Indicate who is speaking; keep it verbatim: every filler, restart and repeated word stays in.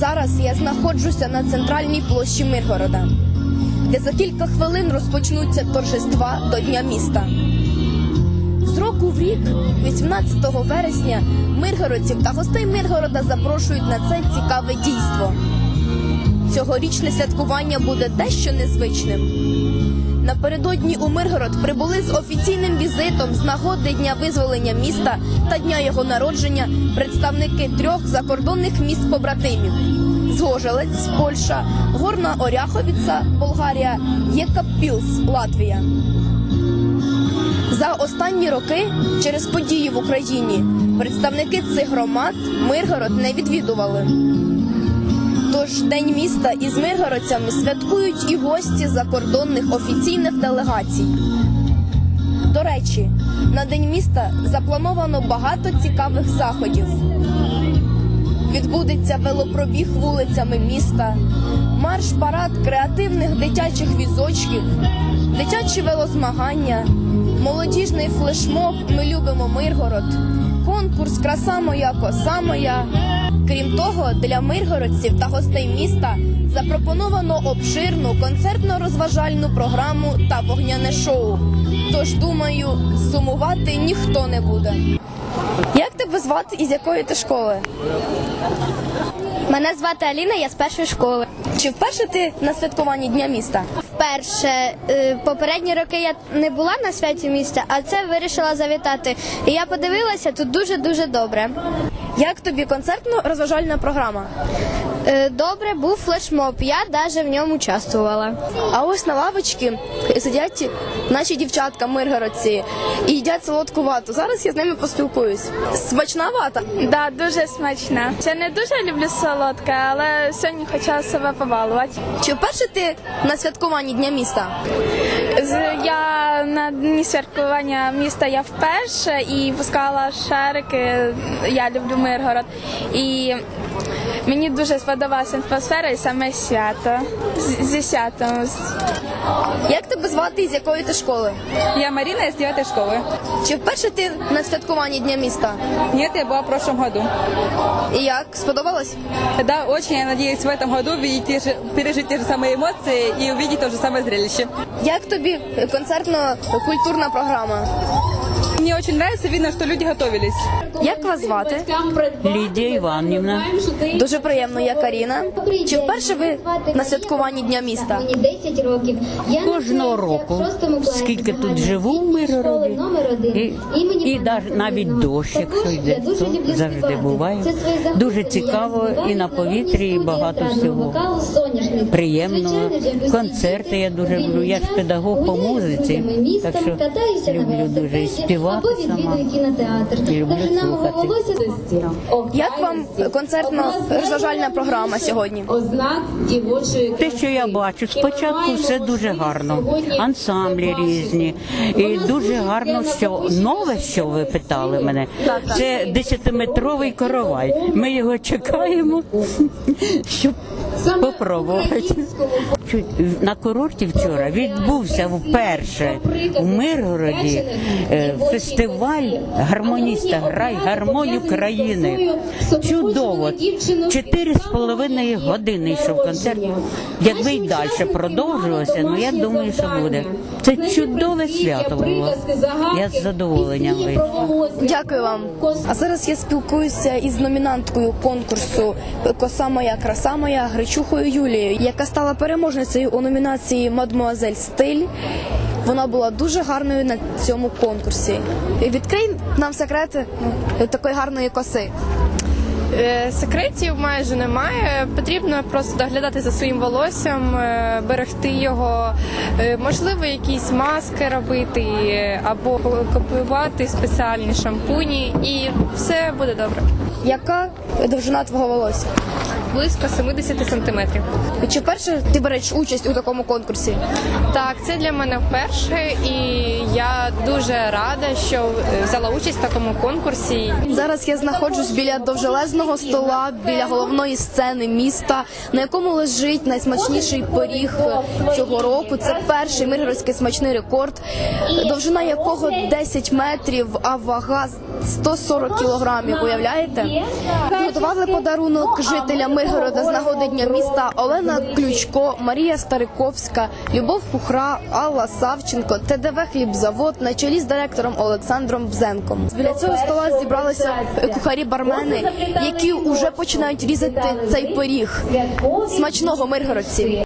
Speaker 1: Зараз я знаходжуся на центральній площі Миргорода, де за кілька хвилин розпочнуться торжества до Дня міста. З року в рік, вісімнадцятого вересня, миргородців та гостей Миргорода запрошують на це цікаве дійство. Цьогорічне святкування буде дещо незвичним. Напередодні у Миргород прибули з офіційним візитом з нагоди Дня визволення міста та дня його народження представники трьох закордонних міст-побратимів – Згожелець, Польща, Горна Оряховіца, Болгарія, Єкаппілс, Латвія. За останні роки через події в Україні представники цих громад Миргород не відвідували. Тож День міста із миргородцями святкують і гості закордонних офіційних делегацій. До речі, на День міста заплановано багато цікавих заходів. Відбудеться велопробіг вулицями міста, марш-парад креативних дитячих візочків, дитячі велозмагання, молодіжний флешмоб «Ми любимо Миргород», конкурс «Краса моя, коса моя». Крім того, для миргородців та гостей міста запропоновано обширну концертно-розважальну програму та вогняне шоу. Тож, думаю, сумувати ніхто не буде. Як тебе звати і з якої ти школи?
Speaker 2: Мене звати Аліна, я з першої школи.
Speaker 1: Чи вперше ти на святкуванні Дня міста?
Speaker 2: Вперше. Попередні роки я не була на святі міста, а це вирішила завітати. І я подивилася, тут дуже-дуже добре.
Speaker 1: Як тобі концертно-розважальна програма?
Speaker 2: Добре, був флешмоб, я навіть в ньому участвувала.
Speaker 1: А ось на лавочці сидять наші дівчатка миргородці і їдять солодку вату. Зараз я з ними поспілкуюсь. Смачна вата?
Speaker 3: Да, дуже смачна. Я не дуже люблю солодке, але сьогодні хотіла себе побалувати.
Speaker 1: Чи вперше ти на святкуванні Дня міста?
Speaker 3: Я на дні святкування міста я вперше і пускала шарики. Я люблю Миргород. І мені дуже сподобалася атмосфера і саме свято. Зі святом.
Speaker 1: Як тебе звати і з якої ти школи?
Speaker 4: Я Марина из девятой школы.
Speaker 1: Чи вперше ти на святкуванні Дня міста?
Speaker 4: Нет, я была в прошлом году.
Speaker 1: І як? Сподобалось?
Speaker 4: Да, очень. Я надеюсь в этом году увидеть те же, пережить те же самые эмоции и увидеть то же самое зрелище.
Speaker 1: Як тобі концертно-культурна програма?
Speaker 4: Мне очень нравится, видно, что люди готовились.
Speaker 1: Як вас звати?
Speaker 5: Лідія Іванівна.
Speaker 1: Дуже приємно, я Каріна. Чи вперше ви на святкуванні Дня міста?
Speaker 5: Кожного року, скільки тут живу в Миргороді, і, і навіть, навіть дощ, якщо йде, то завжди буває. Дуже цікаво і на повітрі, і багато всього приємного. Концерти я дуже люблю. Я ж педагог по музиці, так що люблю дуже і співати сама, і люблю слухати.
Speaker 1: Як вам концертно-розважальна програма сьогодні?
Speaker 5: Те, що я бачу, спочатку все дуже гарно, ансамблі різні, і дуже гарно, що нове, що ви питали мене, це десятиметровий коровай. Ми його чекаємо, щоб попробувати. На курорті вчора відбувся вперше в Миргороді фестиваль «Гармоніста. Грай гармонію країни». Чудово. Чотири з половиною години йшов концерт. Якби й далі продовжувалося, ну я думаю, що буде. Це чудове свято було. Я з задоволенням вийшла.
Speaker 1: Дякую вам. А зараз я спілкуюся із номінанткою конкурсу «Коса моя, краса моя» Гречухою Юлією, яка стала переможницею у номінації «Мадмуазель стиль». Вона була дуже гарною на цьому конкурсі. Відкрий нам секрети такої гарної коси.
Speaker 6: Секретів майже немає. Потрібно просто доглядати за своїм волоссям, берегти його, можливо, якісь маски робити або купувати спеціальні шампуні, і все буде добре.
Speaker 1: Яка довжина твого волосся?
Speaker 6: Близько сімдесят сантиметрів.
Speaker 1: Чи вперше ти береш участь у такому конкурсі?
Speaker 6: Так, це для мене вперше, і я дуже рада, що взяла участь в такому конкурсі.
Speaker 1: Зараз я знаходжусь біля довжелезного величезного стола біля головної сцени міста, на якому лежить найсмачніший пиріг цього року. Це перший миргородський смачний рекорд, довжина якого десять метрів, а вага сто сорок кілограмів. Уявляєте? Готували подарунок жителям Миргорода з нагоди Дня міста Олена Ключко, Марія Стариковська, Любов Кухра, Алла Савченко, ТДВ «Хлібзавод» на чолі з директором Олександром Бзенком. Біля цього стола зібралися кухарі-бармени, які вже починають різати цей пиріг. Смачного, миргородці!